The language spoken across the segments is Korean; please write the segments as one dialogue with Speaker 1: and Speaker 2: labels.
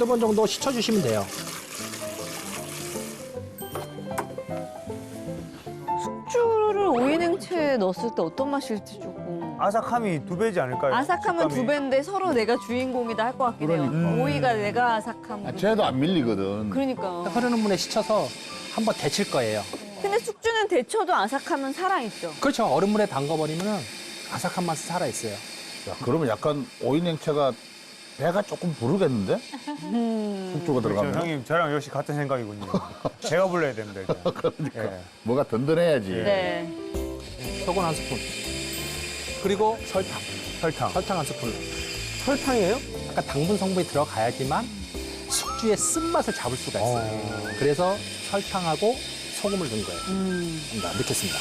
Speaker 1: 한두 번 정도 씻어주시면 돼요.
Speaker 2: 숙주를 오이 냉채에 넣었을 때 어떤 맛일지 조금.
Speaker 3: 아삭함이 2배지 않을까요?
Speaker 2: 아삭하면
Speaker 3: 식감이.
Speaker 2: 2배인데 서로 내가 주인공이다 할 것 같긴 해요. 오이가 내가 아삭함.
Speaker 4: 쟤도 안 밀리거든.
Speaker 2: 그러니까.
Speaker 1: 흐르는 물에 씻어서 한번 데칠 거예요.
Speaker 2: 근데 숙주는 데쳐도 아삭함은 살아있죠.
Speaker 1: 그렇죠. 얼음물에 담가버리면 아삭한 맛이 살아있어요.
Speaker 4: 야, 그러면 약간 오이 냉채가 배가 조금 부르겠는데? 숙주가
Speaker 3: 그렇죠.
Speaker 4: 들어가면.
Speaker 3: 형님 저랑 역시 같은 생각이군요. 제가 불러야 됩니다. 이제.
Speaker 4: 그러니까.
Speaker 3: 예.
Speaker 4: 뭐가 든든해야지.
Speaker 2: 네.
Speaker 1: 소금 한 스푼. 그리고 설탕.
Speaker 3: 설탕.
Speaker 1: 설탕 한 스푼.
Speaker 3: 설탕이에요?
Speaker 1: 약간 당분 성분이 들어가야지만 숙주의 쓴맛을 잡을 수가 있어요. 그래서 설탕하고 소금을 넣은 거예요. 자, 넣겠습니다.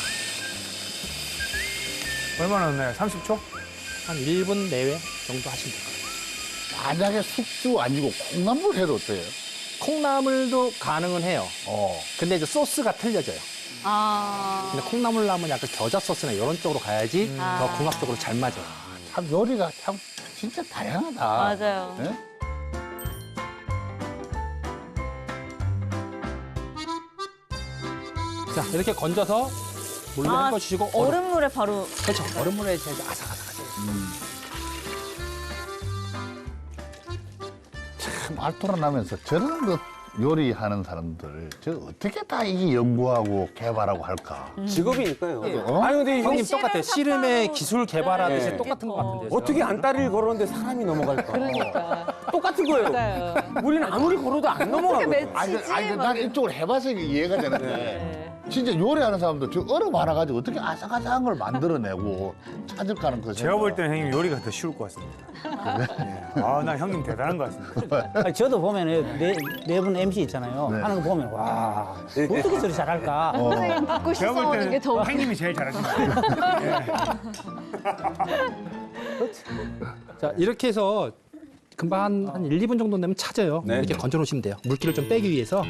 Speaker 3: 얼마나 넣나요? 30초?
Speaker 1: 한 1분 내외 정도 하시면 돼요.
Speaker 4: 만약에 숙주 아니고 콩나물 해도 어때요?
Speaker 1: 콩나물도 가능은 해요. 근데 이제 소스가 틀려져요.
Speaker 2: 아.
Speaker 1: 근데 콩나물 나면 약간 겨자 소스나 이런 쪽으로 가야지 더
Speaker 2: 아.
Speaker 1: 궁합적으로 잘 맞아요.
Speaker 4: 참 요리가 참 진짜 다양하다.
Speaker 2: 맞아요.
Speaker 4: 예?
Speaker 1: 자, 이렇게 건져서 물로
Speaker 2: 아,
Speaker 1: 헹궈주시고
Speaker 2: 얼음물에 바로.
Speaker 1: 그렇죠. 얼음물에 이제 아삭아삭하죠.
Speaker 4: 참 알토라 나면서 저런 것 요리하는 사람들 저 어떻게 다 이게 연구하고 개발하고 할까?
Speaker 5: 직업이니까요.
Speaker 4: 어?
Speaker 5: 아니 근데
Speaker 1: 형님
Speaker 2: 씨름
Speaker 1: 똑같아요. 씨름의
Speaker 2: 삭발로-
Speaker 1: 기술 개발하듯이
Speaker 5: 네.
Speaker 1: 똑같은 것 같은데요.
Speaker 5: 어떻게 안다리를 걸었는데 사람이 넘어갈까?
Speaker 6: 그러니까.
Speaker 5: 똑같은 거예요.
Speaker 6: 맞아요.
Speaker 5: 우리는 아무리 걸어도 안 넘어가거든.
Speaker 4: 아니, 난 이쪽으로 해봐서 이게 이해가 되는데 진짜 요리하는 사람도 저 얼음 하나 가지고 어떻게 아삭아삭한 걸 만들어내고 찾을까는 그
Speaker 3: 제가 볼 때는 형님 요리가 더 쉬울 것 같습니다. 예. 아, 나 형님 대단한 것 같습니다.
Speaker 7: 아니, 저도 보면은 네 분 MC 있잖아요.
Speaker 4: 네.
Speaker 7: 하는 거 보면 와 어떻게 저리 잘할까?
Speaker 2: 선생님 듣고
Speaker 3: 제가 볼
Speaker 2: 씻어오는 게
Speaker 3: 때는
Speaker 2: 더.
Speaker 3: 형님이 제일 잘하십니다.
Speaker 1: 자, 이렇게 해서 금방 한 1, 2분 정도 되면 차져요.
Speaker 5: 네.
Speaker 1: 이렇게 건져 놓으시면 돼요. 물기를 좀 빼기 위해서.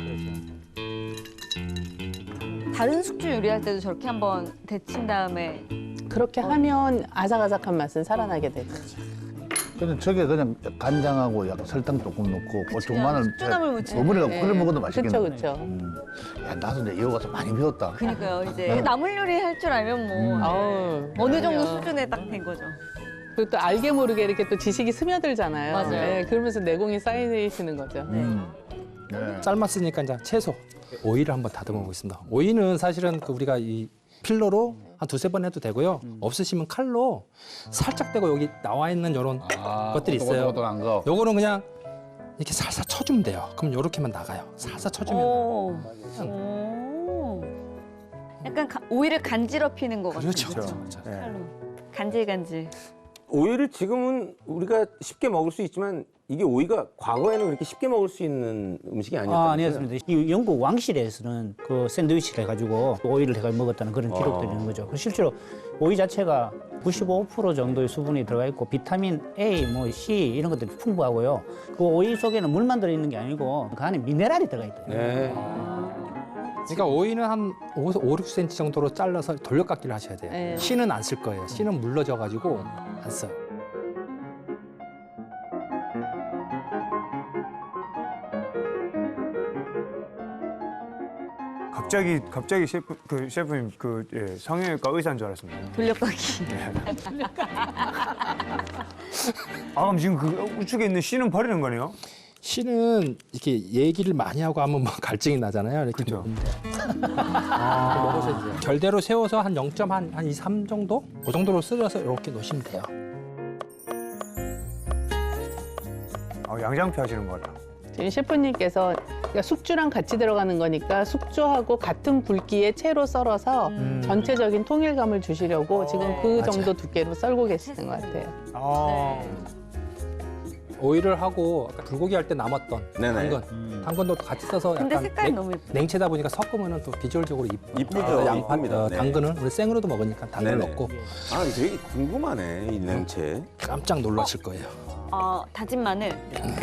Speaker 2: 다른 숙주 요리할 때도 저렇게 한번 데친 다음에.
Speaker 6: 그렇게 하면 아삭아삭한 맛은 살아나게 되죠.
Speaker 4: 그냥 저게 그냥 간장하고 약간 설탕 조금 넣고 고추 마늘
Speaker 2: 숙주나물 무침.
Speaker 4: 버무려
Speaker 6: 네.
Speaker 4: 끓여 먹어도 맛있겠네.
Speaker 6: 그렇죠, 그렇죠.
Speaker 4: 야, 나도 이제 이거 가서 많이 배웠다.
Speaker 2: 그니까요. 이제 나물 요리 할 줄 알면 뭐
Speaker 6: 아우,
Speaker 2: 어느 정도
Speaker 6: 그럼요.
Speaker 2: 수준에 딱 된 거죠.
Speaker 6: 그리고 또 알게 모르게 이렇게 또 지식이 스며들잖아요.
Speaker 2: 맞아요.
Speaker 6: 네, 그러면서 내공이 쌓이시는 거죠.
Speaker 4: 네.
Speaker 1: 삶았으니까 이제 채소. 오이를 한번 다듬어 보겠습니다. 오이는 사실은 그 우리가 이 필러로 한 두세 번 해도 되고요. 없으시면 칼로 살짝 떼고 여기 나와 있는 이런 것들이 있어요.
Speaker 4: 오독오독한 거.
Speaker 1: 요거는 그냥 이렇게 살살 쳐주면 돼요. 그럼 요렇게만 나가요. 살살 쳐주면.
Speaker 2: 오. 오. 약간 오이를 간지럽히는 것 같아요.
Speaker 1: 그렇죠.
Speaker 3: 그렇죠. 예.
Speaker 2: 칼로. 간질간질.
Speaker 5: 오이를 지금은 우리가 쉽게 먹을 수 있지만 이게 오이가 과거에는 그렇게 쉽게 먹을 수 있는 음식이 아니었다고요?
Speaker 7: 아니었습니다. 이 영국 왕실에서는 그 샌드위치를 해가지고 오이를 해가 먹었다는 그런 기록들이 있는 거죠. 실제로 오이 자체가 95% 정도의 수분이 들어가 있고 비타민 A, 뭐 C 이런 것들이 풍부하고요. 그 오이 속에는 물만 들어있는 게 아니고 그 안에 미네랄이 들어가 있대요.
Speaker 5: 네.
Speaker 1: 그러니까 오이는 한 5, 6cm 정도로 잘라서 돌려깎기를 하셔야 돼요.
Speaker 2: 네.
Speaker 1: 씨는 안 쓸 거예요. 씨는 물러져가지고 안 써요.
Speaker 3: 갑자기 셰프님 성형외과 의사인 줄 알았습니다.
Speaker 2: 돌려깎기.
Speaker 3: 아, 그럼 지금 그 우측에 있는 씨는 버리는 거네요?
Speaker 1: 씨는 이렇게 얘기를 많이 하고 하면 뭐 갈증이 나잖아요. 이렇게
Speaker 3: 그죠.
Speaker 1: 먹으면 돼요. 먹으셔도 돼요. 결대로 세워서 한 0.한 2, 3 정도? 그 정도로 쓸어서 이렇게 놓으시면 돼요.
Speaker 3: 양장피 하시는 거라.
Speaker 6: 지금 셰프님께서 그러니까 숙주랑 같이 들어가는 거니까 숙주하고 같은 굵기의 채로 썰어서 전체적인 통일감을 주시려고 지금 그 정도 두께로 썰고 계시는 것 같아요.
Speaker 3: 아,
Speaker 1: 오이를 하고 아까 불고기 할 때 남았던
Speaker 5: 네네.
Speaker 1: 당근도 같이 써서
Speaker 2: 근데
Speaker 1: 약간
Speaker 2: 색깔이 너무 예뻐요.
Speaker 1: 냉채다 보니까 섞으면 또 비주얼적으로
Speaker 5: 이쁘죠.
Speaker 1: 양파,
Speaker 5: 이쁩니다. 네.
Speaker 1: 당근은 우리 생으로도 먹으니까 당근
Speaker 5: 네네.
Speaker 1: 넣고
Speaker 5: 아, 되게 궁금하네, 이 냉채.
Speaker 1: 깜짝 놀라실 거예요.
Speaker 2: 다진 마늘.
Speaker 1: 하지만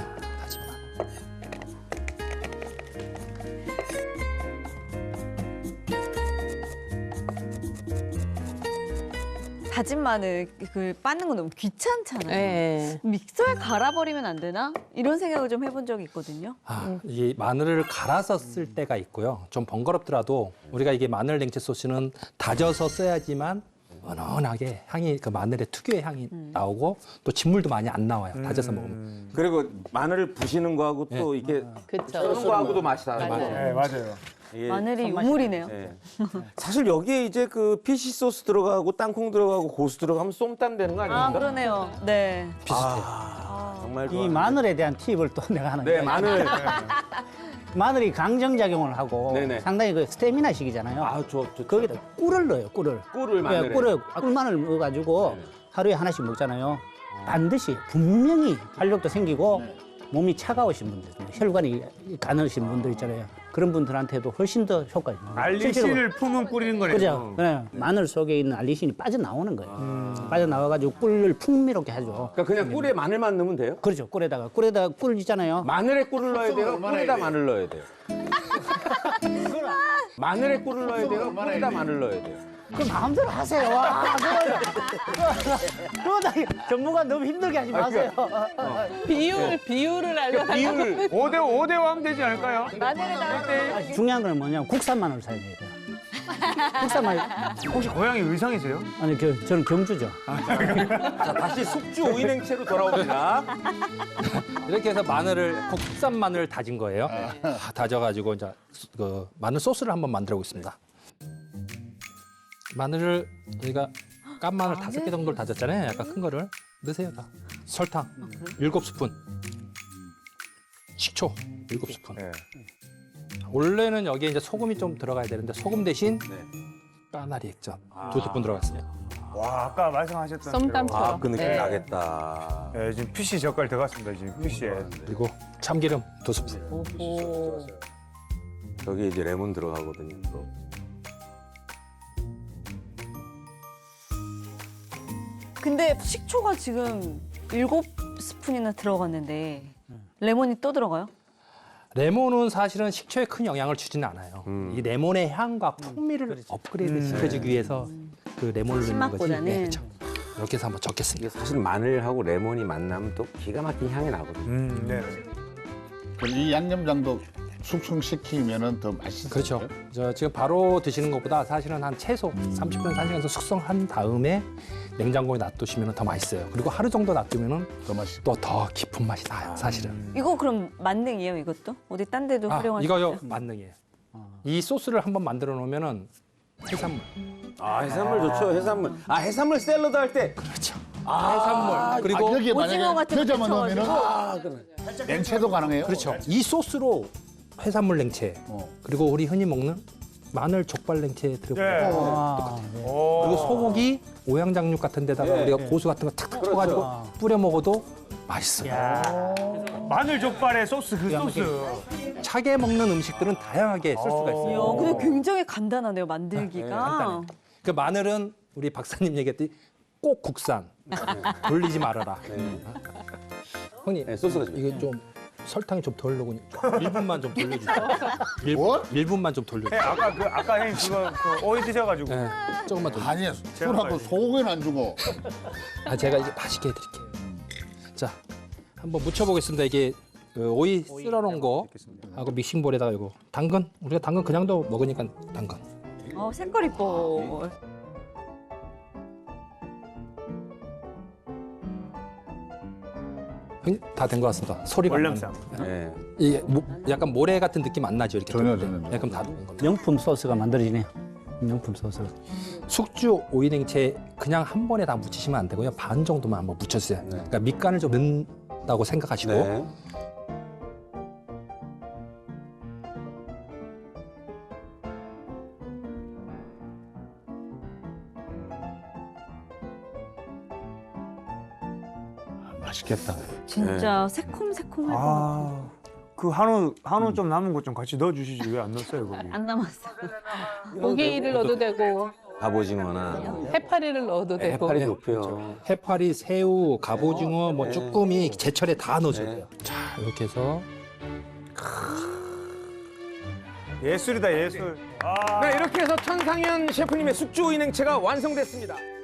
Speaker 2: 다진 마늘 그 빻는 건 너무 귀찮잖아요.
Speaker 6: 네.
Speaker 2: 믹서에 갈아버리면 안 되나? 이런 생각을 좀 해본 적이 있거든요.
Speaker 1: 이 마늘을 갈아서 쓸 때가 있고요. 좀 번거롭더라도 우리가 이게 마늘 냉채 소스는 다져서 써야지만 은은하게 향이 그 마늘의 특유의 향이 나오고 또 진물도 많이 안 나와요. 다져서 먹으면.
Speaker 5: 그리고 마늘을 부시는 거하고 또 이렇게
Speaker 6: 그쵸.
Speaker 5: 쓰는 거하고도 맛이 달라요.
Speaker 3: 네, 맞아요.
Speaker 5: 예.
Speaker 2: 마늘이 유물이네요.
Speaker 5: 예. 사실 여기에 이제 그 피시 소스 들어가고 땅콩 들어가고 고수 들어가면 쏨땀 되는 거 아닙니까?
Speaker 2: 아, 그러네요. 네.
Speaker 1: 비슷해요.
Speaker 5: 정말
Speaker 7: 이 마늘에 대한 팁을 또 내가 하는
Speaker 5: 네,
Speaker 7: 거예요.
Speaker 5: 마늘.
Speaker 7: 마늘이 강정작용을 하고
Speaker 5: 네네.
Speaker 7: 상당히 그 스태미나식이잖아요.
Speaker 5: 아,
Speaker 7: 거기다 꿀을 넣어요, 꿀을.
Speaker 5: 꿀을 마늘에.
Speaker 7: 꿀마늘 넣어가지고 하루에 하나씩 먹잖아요. 반드시 분명히 활력도 생기고 몸이 차가우신 분들, 혈관이 가느신 분들 있잖아요. 그런 분들한테도 훨씬 더 효과가 있는 거예요.
Speaker 3: 알리신을 품은 뿌리는 거네요.
Speaker 7: 그죠? 네. 마늘 속에 있는 알리신이 빠져나오는 거예요. 빠져나와가지고 꿀을 풍미롭게 하죠.
Speaker 5: 그러니까 그냥 꿀에 마늘만 넣으면 돼요?
Speaker 7: 그렇죠. 꿀에다가 꿀 있잖아요.
Speaker 5: 마늘에 꿀을 넣어야 돼요? 꿀에다 마늘 넣어야 돼요? 마늘에 꿀을 넣어야 돼요? 꿀에다 마늘 넣어야 돼요?
Speaker 7: 그 마음대로 하세요. 와, 그러다 전문가 너무 힘들게 하지 마세요.
Speaker 6: 비율을 알려달라고.
Speaker 5: 비율을
Speaker 3: 5대5 하면 되지 않을까요?
Speaker 7: 중요한 건 뭐냐면 국산 마늘 사용해야 돼요. 국산 마늘.
Speaker 3: 혹시 고향이 의성이세요?
Speaker 7: 아니, 저는 경주죠.
Speaker 5: 자, 다시 숙주 오이냉채로 돌아옵니다.
Speaker 1: 이렇게 해서 마늘을 국산 마늘 다진 거예요. 다져가지고 이제 그 마늘 소스를 한번 만들어 보겠습니다. 마늘을 저희가 깐 마늘 5개 정도를 다졌잖아요. 약간 큰 거를 넣으세요. 다. 설탕 7스푼, 식초 7스푼.
Speaker 3: 네.
Speaker 1: 원래는 여기에 이제 소금이 좀 들어가야 되는데 소금 대신 까나리 액젓 2스푼 들어갔어요.
Speaker 3: 와, 아까 말씀하셨던
Speaker 6: 쏨땀처럼.
Speaker 5: 아, 그 느낌
Speaker 6: 네.
Speaker 5: 나겠다.
Speaker 3: 대로. 네, 지금 피시 젓갈 들어갔습니다. 지금 피시에.
Speaker 1: 그리고 참기름 2스푼.
Speaker 6: 오.
Speaker 5: 여기 이제 레몬 들어가거든요. 또.
Speaker 2: 근데 식초가 지금 7스푼이나 들어갔는데 레몬이 또 들어가요?
Speaker 1: 레몬은 사실은 식초에 큰 영향을 주지는 않아요. 이 레몬의 향과 풍미를 업그레이드 시켜주기 위해서 그 레몬을 넣는 거지.
Speaker 2: 신맛보다는.
Speaker 1: 그렇죠. 이렇게 해서 한번 적겠습니다.
Speaker 5: 이게 사실 마늘하고 레몬이 만나면 또 기가 막힌 향이 나거든요.
Speaker 3: 네.
Speaker 4: 그럼 이 양념장도 숙성시키면은 더 맛있어요.
Speaker 1: 그렇죠. 지금 바로 드시는 것보다 사실은 한 최소 30분, 1시간 숙성한 다음에 냉장고에 놔두시면 더 맛있어요. 그리고 하루 정도 놔두면
Speaker 4: 더 맛있어.
Speaker 1: 또 더 깊은 맛이 나요, 사실은.
Speaker 2: 이거 그럼 만능이에요, 이것도? 어디 딴 데도 활용할 수
Speaker 1: 이거요,
Speaker 2: 있어요?
Speaker 1: 만능이에요. 이 소스를 한번 만들어 놓으면은 해산물.
Speaker 5: 아, 해산물 좋죠, 해산물. 아, 해산물 샐러드 할 때.
Speaker 1: 그렇죠. 해산물. 그리고
Speaker 4: 여기에
Speaker 2: 오징어
Speaker 4: 만약에
Speaker 2: 같은 거
Speaker 4: 겨자만 넣으면은
Speaker 2: 붙여가지고.
Speaker 4: 냉채도 가능해요.
Speaker 1: 그렇죠. 이 소스로 해산물 냉채 그리고 우리 흔히 먹는 마늘 족발 냉채 들어가요.
Speaker 3: 네.
Speaker 7: 아,
Speaker 1: 그리고 소고기 오양장육 같은 데다가
Speaker 5: 예,
Speaker 1: 우리가
Speaker 5: 예.
Speaker 1: 고수 같은 거 탁탁 쳐가지고 뿌려 먹어도 맛있어요.
Speaker 3: 마늘 족발의 소스 그 소스.
Speaker 1: 차게 먹는 음식들은 다양하게 쓸 수가 있어요.
Speaker 2: 이야, 근데 굉장히 간단하네요, 만들기가.
Speaker 1: 간단해요. 그 마늘은 우리 박사님 얘기했듯이 꼭 국산. 돌리지 말아라. 형님,
Speaker 5: 네, 소스가 좀.
Speaker 1: 이게 좀 설탕이 좀 덜 녹으니까 1분만 좀 돌려주세요.
Speaker 4: 뭐?
Speaker 1: 1분만 좀 돌려주세요.
Speaker 3: 아까 형님 그거 그 오이 드셔가지고.
Speaker 1: 네, 조금만 돌려.
Speaker 4: 아니야, 술하고 소고기는 안 주고.
Speaker 1: 제가 이제 맛있게 해드릴게요. 자, 한번 묻혀보겠습니다. 이게 그 오이 쓸어놓은 거 하고 믹싱볼에다가 이거 당근. 우리가 당근 그냥도 먹으니까 당근.
Speaker 2: 색깔 이뻐.
Speaker 1: 다 된 것 같습니다. 소리가 안
Speaker 3: 월남쌈.
Speaker 1: 나요.
Speaker 5: 네.
Speaker 1: 이게 약간 모래 같은 느낌 안 나죠? 이렇게
Speaker 4: 전혀,
Speaker 1: 뜯을 때?
Speaker 4: 전혀.
Speaker 1: 네, 그럼 다 된 겁니다.
Speaker 7: 명품 소스가 만들어지네요. 명품 소스.
Speaker 1: 숙주 오이냉채 그냥 한 번에 다 묻히시면 안 되고요. 반 정도만 한번 묻혀주세요. 그러니까 밑간을 좀 넣는다고 생각하시고
Speaker 5: 네.
Speaker 4: 맛있겠다.
Speaker 2: 진짜 새콤새콤할 것 같아.
Speaker 3: 아, 그 한우 좀 남은 것 좀 같이 넣어주시지 왜 안 넣었어요 거기?
Speaker 2: 안 남았어.
Speaker 6: 고기를 넣어도 되고
Speaker 5: 갑오징어나
Speaker 6: 해파리를 넣어도 되고.
Speaker 5: 해파리 좋고요.
Speaker 1: 해파리, 새우, 갑오징어, 뭐 쭈꾸미 제철에 다 넣어줘야 돼요. 자, 이렇게 해서
Speaker 3: 예술이다 예술.
Speaker 5: 네, 이렇게 해서 천상현 셰프님의 숙주 오이냉채가 완성됐습니다.